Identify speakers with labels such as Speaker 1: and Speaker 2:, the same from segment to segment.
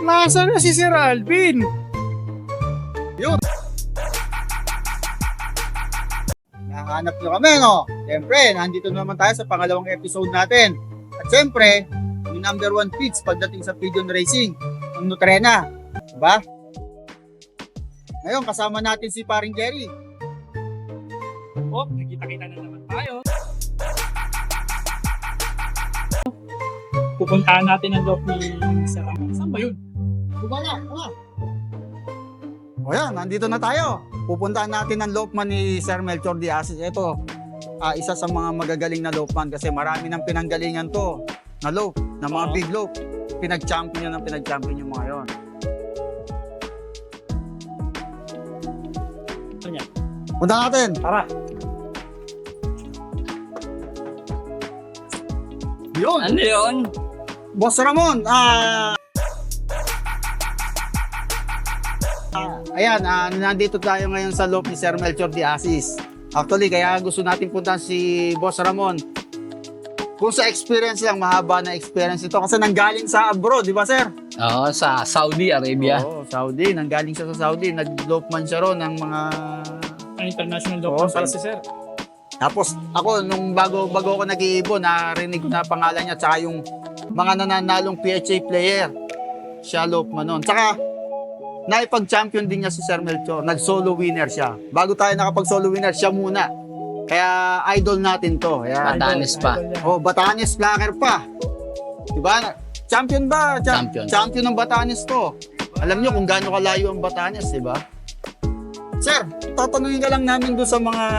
Speaker 1: Nasaan na si Sir Alvin?
Speaker 2: Yun. Nahanap nyo kami, no? Siyempre, nandito naman tayo sa pangalawang episode natin. At siyempre, yung number one feeds pagdating sa pigeon racing, ang Nutrena. Diba? Ngayon, kasama natin si paring Jerry.
Speaker 1: Oh, nakita-kita na naman tayo. Pupuntahan natin ang loob ni Sir Alvin. Saan ba yun?
Speaker 2: Bumala, wala. O yan, nandito na tayo. Pupuntahan natin ang lopeman ni Sir Melchor Diaz. Ito, isa sa mga magagaling na lopeman kasi marami ng pinanggalingan to na lope, na mga big lope. Pinag-champion yung mga yon.
Speaker 1: Ito niya.
Speaker 2: Punta natin.
Speaker 1: Tara.
Speaker 2: Yun.
Speaker 3: Ano yun?
Speaker 2: Boss Ramon, ayan, nandito tayo ngayon sa loop ni Sir Melchor Diaz. Actually, kaya gusto natin puntahan si Boss Ramon. Kung sa experience lang, mahaba na experience ito. Kasi nanggaling sa abroad, di ba sir?
Speaker 3: Oo, sa Saudi Arabia.
Speaker 2: Oo, Saudi. Nanggaling siya sa Saudi. Nag-lopeman siya ron ng mga...
Speaker 1: Ang international doctor para si Sir.
Speaker 2: Tapos ako, nung bago ako nag-iibon, narinig ko na pangalan niya, tsaka yung mga nananalong PHA player. Siya lopeman nun. Tsaka, naipag-champion din niya si Sir Melchor. Nag-solo winner siya. Bago tayo nakapag-solo winner, siya muna. Kaya idol natin to. Kaya,
Speaker 3: Batanes pa.
Speaker 2: oh, Batanes Blacker pa. Diba? Champion ba?
Speaker 3: Champion.
Speaker 2: Champion ng Batanes to. Alam niyo kung gaano kalayo ang Batanes, diba? Sir, tatanungin ka lang namin doon sa mga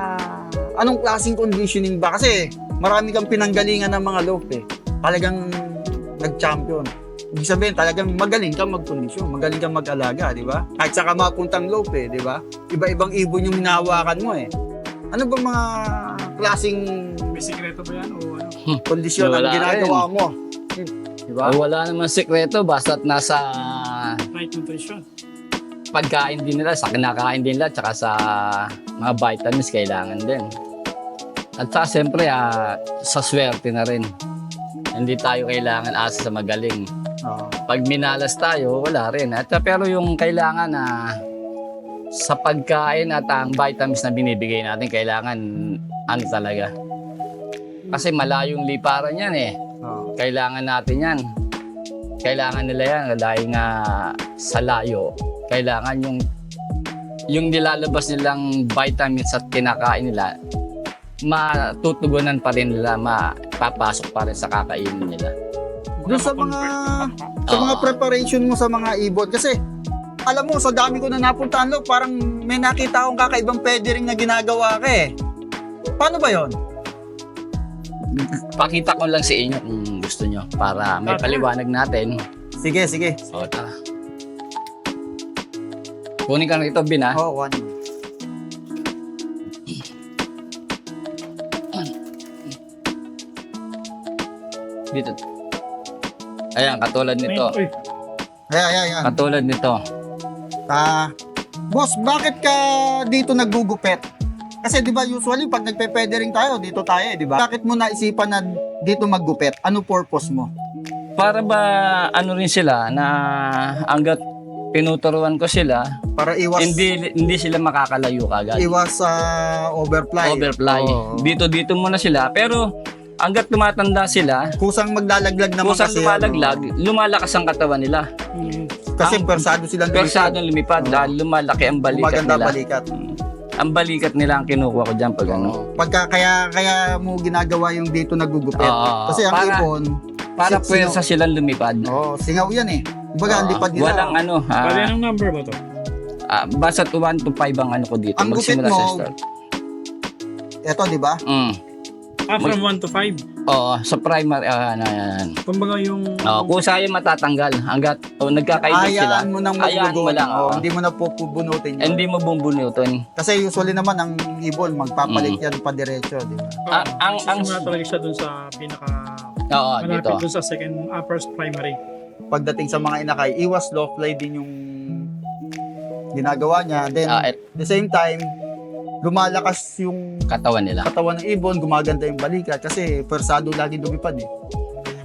Speaker 2: anong klaseng conditioning ba? Kasi marami kang pinanggalingan ng mga lope eh. Talagang nag-champion. Ibig sabihin, talagang magaling kang mag-kondisyon, magaling kang mag-alaga, di ba? Kahit saka mapuntang lope, di ba? Iba-ibang ibon yung hinahawakan mo eh. Ano ba mga klaseng
Speaker 1: May sikreto ba yan o ano?
Speaker 2: kondisyon ang
Speaker 3: Wala
Speaker 2: ginagawa mo? Di ba?
Speaker 3: Wala naman sikreto, basta't nasa
Speaker 1: Right nutrition.
Speaker 3: pagkain din nila, sa kinakain din nila, tsaka sa mga vitamins kailangan din. At saka siyempre, sa swerte na rin. Hindi tayo kailangan asa sa magaling. Pag minalas tayo, wala rin. At pero yung kailangan na sa pagkain at ang vitamins na binibigay natin, kailangan ano talaga. Kasi malayong liparan yan eh. Kailangan natin yan. Kailangan nila yan dahil nga sa layo. Kailangan yung nilalabas nilang vitamins at kinakain nila, matutugunan pa rin nila, mapapasok pa rin sa kakainin nila.
Speaker 2: Doon sa mga preparation mo sa mga ibon. Kasi, alam mo, sa dami ko na napuntahan lo, parang may nakita akong kakaibang feathering na ginagawa ka eh. Paano ba yon?
Speaker 3: Pakita ko lang sa inyo kung gusto nyo para may paliwanag natin.
Speaker 2: Sige, sige.
Speaker 3: O, tara. Kunin ka rito, Bin, ha?
Speaker 2: Oo, one.
Speaker 3: Dito. Ayan, katulad nito.
Speaker 1: Uy,
Speaker 2: Ayan.
Speaker 3: Katulad nito.
Speaker 2: Boss, bakit ka dito naggugupit? Kasi 'di ba usually pag nagpe-feathering tayo, dito tayo, 'di ba? Bakit mo naisipan na dito maggupit? Ano purpose mo?
Speaker 3: Para ba ano rin sila na hanggat pinuturuan ko sila,
Speaker 2: Para iwas
Speaker 3: hindi sila makakalayo kagad.
Speaker 2: overfly.
Speaker 3: Overfly.
Speaker 2: Oo.
Speaker 3: Dito muna sila. Pero hanggat tumatanda sila,
Speaker 2: Kusang maglalaglag naman
Speaker 3: kusang
Speaker 2: kasi.
Speaker 3: lumalaglag, lumalakas ang katawan nila.
Speaker 2: Kasi
Speaker 3: ang-
Speaker 2: persado silang
Speaker 3: Persadong lumipad dahil lumalaki ang balikat
Speaker 2: Maganda
Speaker 3: nila.
Speaker 2: balikat.
Speaker 3: Ang balikat nila ang kinukuha ko dyan pag ano.
Speaker 2: Kaya mo ginagawa yung dito naggugupit.
Speaker 3: Oo.
Speaker 2: Kasi ang ibon,
Speaker 3: Para pwersa silang lumipad.
Speaker 2: singaw yan eh. Kumbaga, ang lipad nila.
Speaker 3: Walang ano.
Speaker 1: bali anong number ba to?
Speaker 3: Basta 1 to 5 ang ano ko dito.
Speaker 2: Ang gupit
Speaker 3: Magsimula
Speaker 2: mo,
Speaker 3: sa start.
Speaker 2: Ito, di ba?
Speaker 1: From 1 to 5.
Speaker 3: Oo, sa primary. Yan.
Speaker 1: Kumbaga yung...
Speaker 3: Kung sa'yo matatanggal, hanggat nagkakaibig sila,
Speaker 2: Hayaan mo nang
Speaker 3: hayaan mo
Speaker 2: maglugon.
Speaker 3: lang.
Speaker 2: Hindi mo na pupunutin yun.
Speaker 3: Hindi mo bumbunutin.
Speaker 2: Kasi usually naman ang ibon magpapalit yan pa diretso, di ba?
Speaker 3: ang-
Speaker 1: Simula talaga siya dun sa pinaka...
Speaker 3: Oo, dito.
Speaker 1: malapit dun sa first primary.
Speaker 2: Pagdating sa mga inakay, iwas low fly din yung ginagawa niya. Then,
Speaker 3: At
Speaker 2: the same time, lumalakas yung
Speaker 3: katawan nila.
Speaker 2: katawan ng ibon, gumaganda yung balikat kasi persado lagi lumipad eh.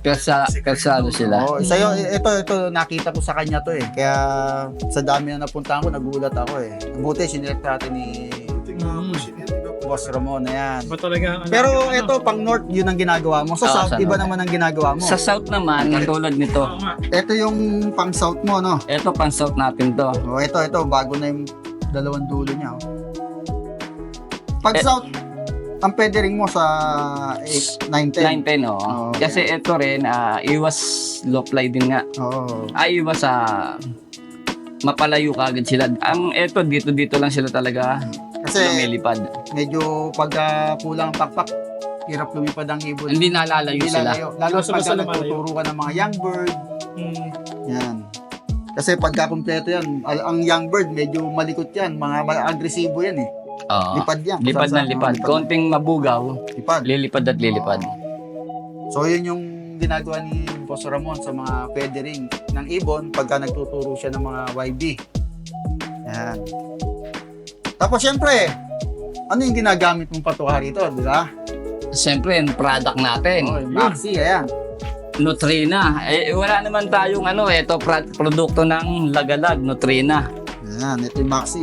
Speaker 3: Persado sila.
Speaker 2: Oh, isa yun, ito nakita ko sa kanya to eh. Kaya sa dami na napuntahan ko, nagulat ako eh. Buti sinilect natin ni Boss Ramon na yan.
Speaker 1: Ba talaga?
Speaker 2: Pero ito pang north, yun ang ginagawa mo. Sa
Speaker 3: Oo,
Speaker 2: south,
Speaker 3: sa
Speaker 2: iba
Speaker 3: north.
Speaker 2: naman ang ginagawa mo.
Speaker 3: Sa south naman, katulad nito.
Speaker 1: Oo nga.
Speaker 2: Ito yung pang south mo, no?
Speaker 3: Ito pang south natin to.
Speaker 2: Oh, ito, bago na yung dalawang dulo niya. Oh. Pag
Speaker 3: Eh,
Speaker 2: south, ang pwede ring mo sa 8, 9, 10.
Speaker 3: 910, oh.
Speaker 2: Oo.
Speaker 3: Kasi ito rin, iwas low fly din nga.
Speaker 2: Oo.
Speaker 3: Iwas sa mapalayo kagad sila. Ang ito, dito lang sila talaga
Speaker 2: Kasi
Speaker 3: lumilipad.
Speaker 2: medyo pagka kulang ang pakpak, hirap lumipad ang ibon.
Speaker 3: Hindi nalalayo
Speaker 2: Hindi
Speaker 3: sila.
Speaker 2: lalayo. Lalo
Speaker 1: Basta
Speaker 2: pagka
Speaker 1: lumalayo.
Speaker 2: nagtuturo ka ng mga young bird,
Speaker 1: Mm.
Speaker 2: yan. Kasi pagka kumpleto yan, ang young bird medyo malikot yan, mga agresibo yan eh.
Speaker 3: Oo.
Speaker 2: Lipad yan.
Speaker 3: Lipad na lipad. Konting mabugaw,
Speaker 2: Lipad.
Speaker 3: lilipad at lilipad.
Speaker 2: So yun yung ginagawa ni Boss Ramon sa mga feathering ng ibon pagka nagtuturo siya ng mga YB. Yan. Tapos syempre, ano yung ginagamit mong patuha rito, di ba?
Speaker 3: Siyempre, yung product natin.
Speaker 2: Oh, Maxi, ayan.
Speaker 3: Nutrina. Wala naman tayong ito produkto ng Lagalag, Nutrina.
Speaker 2: Ayan, ito yung Maxi.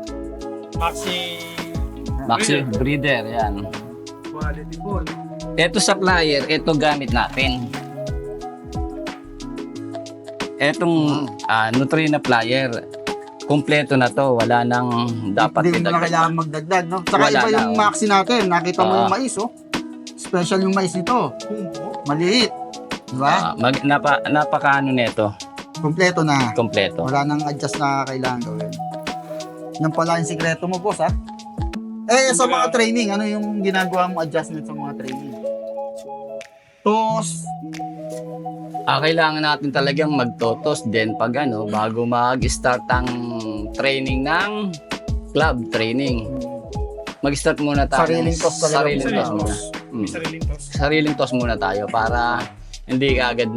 Speaker 3: Maxi Breeder, yan.
Speaker 1: Quality ball.
Speaker 3: Ito sa flyer, ito gamit natin. Etong Nutrina flyer, kumpleto na to, wala nang dapat
Speaker 2: Hindi mo na
Speaker 3: idagdag.
Speaker 2: kailangan magdagdag, no? Saka
Speaker 3: Wala
Speaker 2: iba
Speaker 3: na,
Speaker 2: yung
Speaker 3: oh.
Speaker 2: Maxi natin. Nakita mo
Speaker 3: Oo.
Speaker 2: yung mais, oh. Special yung mais nito. Maliit. Di ba?
Speaker 3: Napakaano nito,
Speaker 2: Kompleto na.
Speaker 3: kompleto.
Speaker 2: Wala nang adjust na kailangan gawin. Yan pala yung sikreto mo, boss, ha? Eh, sa mga training, ano yung ginagawa mo adjustment sa mga training? Tos.
Speaker 3: Kailangan natin talagang magtotos din pag bago mag-start ang training ng club training. Mag-start muna tayo.
Speaker 2: Sariling toss talaga.
Speaker 3: Sariling
Speaker 1: Sariling
Speaker 3: toss muna.
Speaker 1: toss. May sariling toss.
Speaker 3: Sariling toss muna tayo para hindi ka agad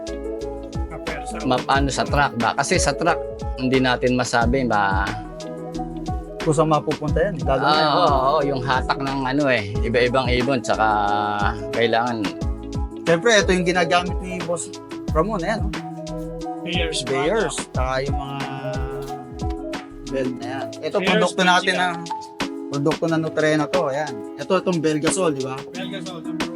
Speaker 3: mapano sa track ba? Kasi sa track, hindi natin masabi ba?
Speaker 2: Kung saan mapupunta yan. Lalo na yan.
Speaker 3: Oo, yung hatak ng iba-ibang ibon, tsaka kailangan
Speaker 2: Siyempre, ito yung ginagamit ni Boss Ramon, ayan, no?
Speaker 1: Bears.
Speaker 2: Bayers. Saka yung mga bell na yan. Ito,
Speaker 1: Bears,
Speaker 2: produkto natin
Speaker 1: Belgica.
Speaker 2: produkto na Nutrena to, ayan. Ito, itong Belgasol, di ba?
Speaker 1: Belgasol, number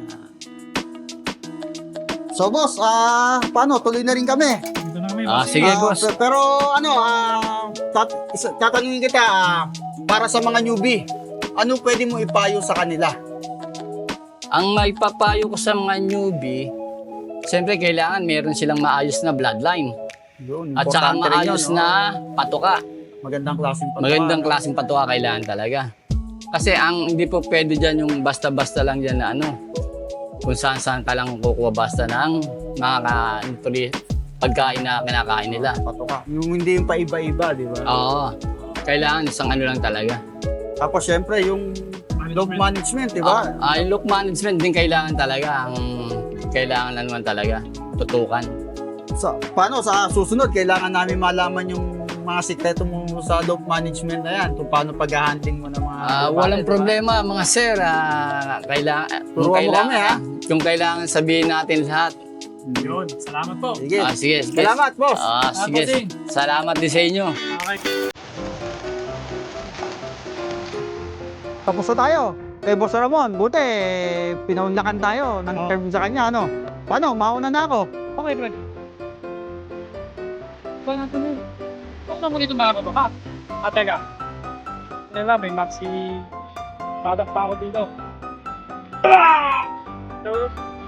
Speaker 1: 1.
Speaker 2: So, boss, paano? Tuloy na rin kami.
Speaker 1: Dito na kami.
Speaker 3: Sige, boss.
Speaker 2: Pero, tatanungin kita, para sa mga newbie, ano pwede mo ipayo sa kanila?
Speaker 3: ang maipapayo ko sa mga newbie, siyempre kailangan meron silang maayos na bloodline
Speaker 2: Yun,
Speaker 3: at saka
Speaker 2: importante rin
Speaker 3: maayos
Speaker 2: yun, no?
Speaker 3: na patuka.
Speaker 2: Magandang klaseng patuka.
Speaker 3: Magandang klaseng patuka kailangan talaga. Kasi hindi po pwede dyan yung basta-basta lang dyan na kung saan-saan ka lang kukuha basta ng mga pagkain na kinakain nila.
Speaker 2: Patuka. Yung hindi yung paiba-iba, di ba?
Speaker 3: Oo. Kailangan isang lang talaga.
Speaker 2: Tapos syempre yung dog management, di ba?
Speaker 3: Yung look management din kailangan talaga. Kailangan na naman talaga. Tutukan.
Speaker 2: Paano sa susunod, kailangan namin malaman yung mga sikreto mo sa dog management na yan, kung paano pag-handling mo ng mga
Speaker 3: Walang
Speaker 2: diba?
Speaker 3: problema mga sir. Kailangan,
Speaker 2: Turuan mo kami, ha?
Speaker 3: Kung kailangan sabihin natin lahat.
Speaker 1: Yun. Salamat po.
Speaker 2: Sige.
Speaker 3: Sige.
Speaker 2: Salamat, boss.
Speaker 3: Sige.
Speaker 1: bossing.
Speaker 3: Salamat din sa inyo.
Speaker 1: Okay.
Speaker 2: Tapos na tayo. Kay Boss Ramon, buti, pinaunlakan tayo ng term sa kanya, ano? Paano? Mauna na ako.
Speaker 1: Okay, Fred. Ba natin yun? Huwag na mo dito mga kapaka. Teka. Nila, may maxi product pa ako dito. So,